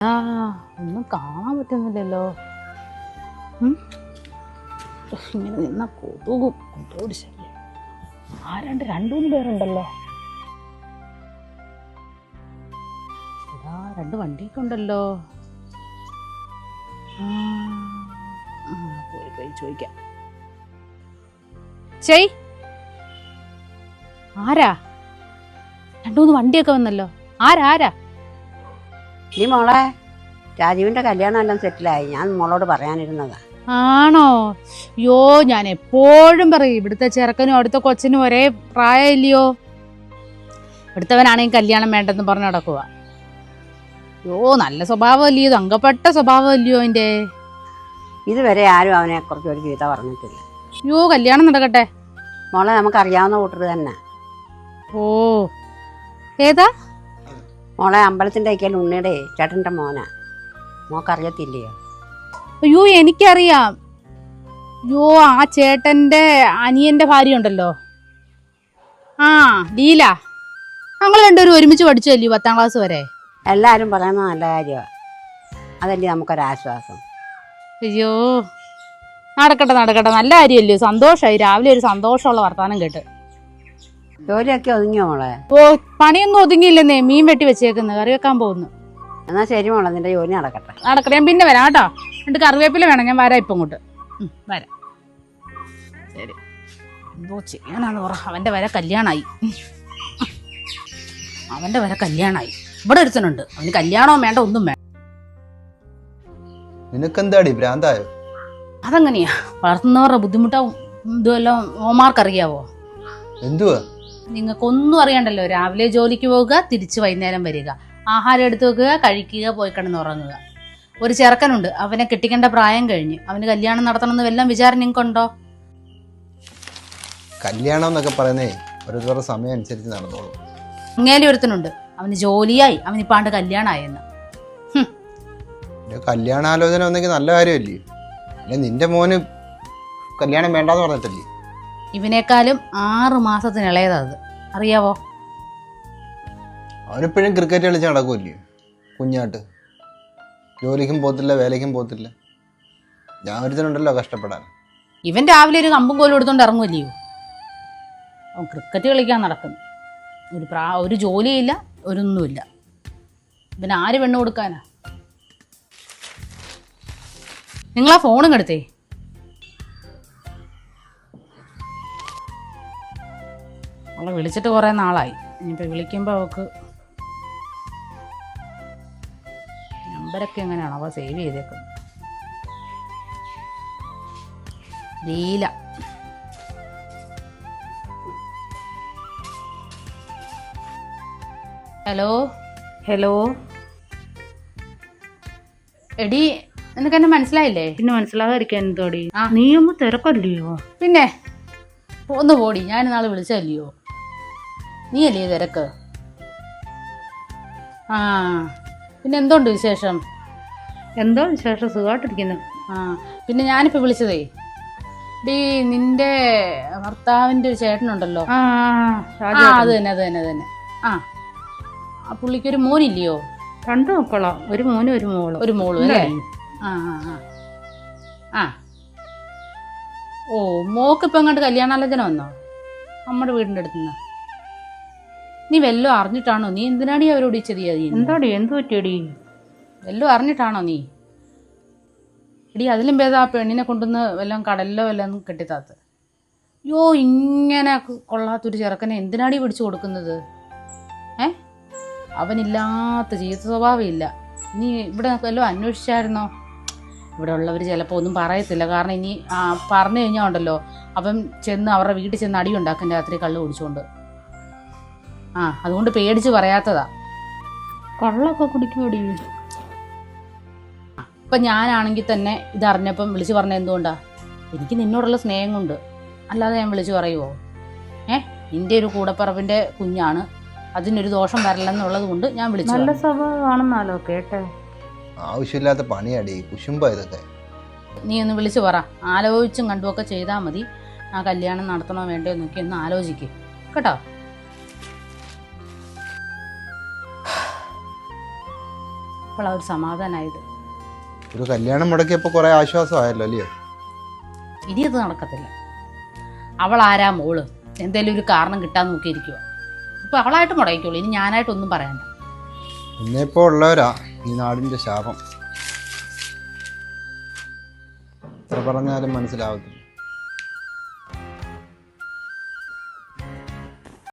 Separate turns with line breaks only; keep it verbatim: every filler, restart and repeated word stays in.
ആ ഒന്നും കാണാൻ പറ്റുന്നില്ലല്ലോ. ഇങ്ങനെ നിന്ന കൊതുകും കൊതുകോട് ശല്യം. ആരാണ്ട് രണ്ടു മൂന്ന് പേരുണ്ടല്ലോ. ഇതാ രണ്ട് വണ്ടിയൊക്കെ ഉണ്ടല്ലോ. ആ പോയി പോയി ചോദിക്കാം. ചെയ് ആരാ? രണ്ടു മൂന്ന് വണ്ടിയൊക്കെ വന്നല്ലോ. ആരാ ആരാ?
നീ മോളെ രാജീവിന്റെ കല്യാണം എല്ലാം സെറ്റിലായി. ഞാൻ മോളോട് പറയാനിരുന്നതാ.
ആണോ? യോ ഞാൻ എപ്പോഴും പറയും ഇവിടുത്തെ ചെറുക്കനും അവിടുത്തെ കൊച്ചിനും ഒരേ പ്രായമില്ലയോ. ഇവിടുത്തവനാണെങ്കിൽ കല്യാണം വേണ്ടെന്ന് പറഞ്ഞു നടക്കുക. യോ നല്ല സ്വഭാവമല്ലയോ, തങ്കപ്പെട്ട സ്വഭാവമല്ലയോ അതിന്റെ.
ഇതുവരെ ആരും അവനെ കുറിച്ച് ഒരു ഗീത പറഞ്ഞിട്ടില്ല.
യോ കല്യാണം നടക്കട്ടെ
മോളെ, നമുക്കറിയാവുന്ന കൂട്ടർ തന്നെ.
ഓ ഏതാ
മോളെ? അമ്പലത്തിന്റെ ഒരിക്കൽ ഉണ്ണിയുടെ ചേട്ടന്റെ മോനാ. മോക്കറിയത്തില്ലയോ?
അയ്യോ എനിക്കറിയാം. യോ ആ ചേട്ടന്റെ അനിയന്റെ ഭാര്യ ഉണ്ടല്ലോ, ആ ലീല. ഞങ്ങൾ രണ്ടുപേരും ഒരുമിച്ച് പഠിച്ചല്ലോ പത്താം ക്ലാസ് വരെ.
എല്ലാവരും പറയുന്നത് നല്ല കാര്യമാണ്. അതല്ലേ നമുക്കൊരാശ്വാസം.
അയ്യോ നടക്കട്ടെ നടക്കട്ടെ, നല്ല കാര്യമല്ലോ. സന്തോഷമായി, രാവിലെ ഒരു സന്തോഷമുള്ള വർത്താനം കേട്ട്.
ജോലിയൊക്കെ ഒതുങ്ങിയോ മോളെ?
ഓ പണിയൊന്നും ഒതുങ്ങിയില്ലെന്നേ, മീൻ വെട്ടി വെച്ചേക്കുന്നു, കറി വെക്കാൻ പോകുന്നു.
എന്നാ ശരി മോളെ, നിന്റെ ജോലി നടക്കട്ടെ.
നടക്കട്ടെ, ഞാൻ പിന്നെ വരാം കേട്ടോ. രണ്ട് കറിവേപ്പില വേണം, ഞാൻ വരാം ഇപ്പം ഇങ്ങോട്ട് വരാം. ശരി, എന്തോ ചെയ്യാനാന്ന് പറ. അവന്റെ വരെ കല്യാണമായി, അവന്റെ വരെ കല്യാണമായി. ഇവിടെ ഒരുത്തനുണ്ട്, അവന് കല്യാണവും വേണ്ട ഒന്നും വേണ്ട.
നിനക്കെന്താടി ഭ്രാന്തായോ?
അതെങ്ങനെയാ? വളർത്തുന്നവരുടെ ബുദ്ധിമുട്ടാവും ഇതുവല്ലോ ഓമാർക്കറിയാവോ?
എന്തുവാ?
നിങ്ങൾക്കൊന്നും അറിയണ്ടല്ലോ. രാവിലെ ജോലിക്ക് പോകുക, തിരിച്ച് വൈകുന്നേരം വരിക, ആഹാരം എടുത്തു വെക്കുക, കഴിക്കുക, പോയി കിടന്നുറങ്ങുക. ഒരു ചെറുക്കനുണ്ട്, അവനെ കെട്ടിക്കേണ്ട പ്രായം കഴിഞ്ഞ്. അവന് കല്യാണം നടത്തണമെന്ന് വല്ലതും വിചാരം നിങ്ങൾക്കുണ്ടോ?
കല്യാണം എന്നൊക്കെ പറയുന്നേ ഓരോരുത്തരുടെ സമയം അനുസരിച്ച് നടന്നോളൂ.
ഇങ്ങേലി ഒരുത്തനുണ്ട്, അവന് ജോലിയായി, അവനിപ്പാണ്ട് കല്യാണമായെന്ന്.
കല്യാണാലോചന ഒന്നെങ്കിൽ നല്ല കാര്യമല്ലേ? അല്ലെ നിന്റെ മോന് കല്യാണം വേണ്ടാന്ന് പറഞ്ഞിട്ടല്ലേ?
ഇവനേക്കാളും ആറ് മാസത്തിന് ഇളയതാ അത്, അറിയാവോ?
അവനിപ്പോഴും ക്രിക്കറ്റ് കളിച്ച് നടക്കുമല്ലേ കുഞ്ഞാട്ട്? ജോലിക്കും പോത്തില്ല, വേലയ്ക്കും പോത്തില്ല. ഞാൻ ഒരുത്തനുണ്ടല്ലോ കഷ്ടപ്പെടാൻ.
ഇവൻ രാവിലെ ഒരു കമ്പും കോലും എടുത്തോണ്ട് ഇറങ്ങുമല്ലയോ. അവൻ ക്രിക്കറ്റ് കളിക്കാൻ നടക്കുന്നു. ഒരു പ്രാ ഒരു ജോലിയില്ല, ഒരൊന്നുമില്ല. ഇവൻ ആര് പെണ്ണ് കൊടുക്കാനാ? നിങ്ങളാ ഫോണും എടുത്തേ. അവളെ വിളിച്ചിട്ട് കുറേ നാളായി. ഇനിയിപ്പോൾ വിളിക്കുമ്പോൾ അവൾക്ക് നമ്പരൊക്കെ എങ്ങനെയാണ് അവ സേവ് ചെയ്തേക്കുന്നത്? ലീല. ഹലോ ഹലോ എടി, നിനക്ക് എന്നെ മനസ്സിലായില്ലേ?
പിന്നെ മനസ്സിലാകാതിരിക്കാൻ എന്തോടി? നീയൊന്നും തിരക്കല്ലയോ?
പിന്നെ ഒന്ന് പോടി, ഞാൻ നാളെ വിളിച്ചല്ലയോ. നീ അല്ലേ തിരക്ക്? ആ പിന്നെ എന്തുണ്ട് വിശേഷം?
എന്തോ വിശേഷം? സുഖമായിട്ടിരിക്കുന്നു.
ആ പിന്നെ ഞാനിപ്പോൾ വിളിച്ചതേ, ഡീ നിന്റെ ഭർത്താവിൻ്റെ ഒരു ചേട്ടനുണ്ടല്ലോ.
ആ
ആ അത് തന്നെ അത് തന്നെ അത് തന്നെ. ആ ആ പുള്ളിക്കൊരു മോനില്ലയോ?
രണ്ട് മക്കളോ? ഒരു മോനും ഒരു മോളും.
ഒരു മോളും അല്ലേ? ആ ആ ആ ആ ഓ മോക്കിപ്പോൾ അങ്ങോട്ട് കല്യാണാലോചന വന്നോ നമ്മുടെ വീടിൻ്റെ അടുത്തുനിന്ന്? നീ വല്ലതും അറിഞ്ഞിട്ടാണോ? നീ എന്തിനാടി അവരോട് ഈ ചെറിയ?
എന്താടി എന്ത് പറ്റിയടി?
വല്ലതും അറിഞ്ഞിട്ടാണോ നീ? എടി അതിലും ഭേദം ആ പെണ്ണിനെ കൊണ്ടുവന്ന് വല്ലതും കടലിലോ വല്ലതും കെട്ടിത്താത്ത്. യോ ഇങ്ങനെ കൊള്ളാത്തൊരു ചെറുക്കനെ എന്തിനാടി പിടിച്ചു കൊടുക്കുന്നത്? ഏ അവനില്ലാത്ത ജീവിത സ്വഭാവം ഇല്ല. നീ ഇവിടെ വല്ലതും അന്വേഷിച്ചായിരുന്നോ? ഇവിടെ ഉള്ളവർ ചിലപ്പോൾ ഒന്നും പറയത്തില്ല. കാരണം ഇനി പറഞ്ഞു കഴിഞ്ഞാൽ ഉണ്ടല്ലോ, അവൻ ചെന്ന് അവരുടെ വീട്ടിൽ ചെന്ന് അടി ഉണ്ടാക്കും രാത്രി കള്ള് കുടിച്ചുകൊണ്ട്. ആ അതുകൊണ്ട് പേടിച്ച് പറയാത്തതാ.
കള്ളൊക്കെ കുടിക്കുമോടി?
ഇപ്പം ഞാനാണെങ്കിൽ തന്നെ ഇതറിഞ്ഞപ്പം വിളിച്ച് പറഞ്ഞ എന്തുകൊണ്ടാ? എനിക്ക് നിന്നോടുള്ള സ്നേഹം കൊണ്ട്, അല്ലാതെ ഞാൻ വിളിച്ച് പറയുമോ? ഏ നിൻ്റെ ഒരു കൂടപ്പറപ്പിൻ്റെ കുഞ്ഞാണ്, അതിനൊരു ദോഷം വരില്ലെന്നുള്ളത് കൊണ്ട് ഞാൻ വിളിച്ചു.
നല്ല സ്വഭാവമാണെന്നാലോ കേട്ടെ.
ആവശ്യമില്ലാത്ത പണിയാടി, കുശുമ്പ ഇതൊക്കെ.
നീ ഒന്ന് വിളിച്ചു പറ, ആലോചിച്ചും കണ്ടുമൊക്കെ ചെയ്താൽ മതി. ആ കല്യാണം നടത്തണോ വേണ്ടോ എന്നൊക്കെ ഒന്ന് ആലോചിക്കുക കേട്ടോ. ഇപ്പോഴാണ് ഒരു സമാധാനമായത്.
ഒരു കല്യാണം മുടക്കിയപ്പോൾ കുറേ ആശ്വാസമായല്ലോ അല്ലയോ?
ഇനി അത് നടക്കത്തില്ല. അവൾ ആരാ മോള്? എന്തെങ്കിലും ഒരു കാരണം കിട്ടാൻ നോക്കിയിരിക്കുക. ഇപ്പം അവളായിട്ട് മുടങ്ങിക്കോളൂ, ഇനി ഞാനായിട്ടൊന്നും പറയണ്ട.
ഇന്നിപ്പോൾ ഉള്ളവരാ ഈ നാടിൻ്റെ ശാപം. എത്ര പറഞ്ഞാലും മനസ്സിലാവത്തില്ല.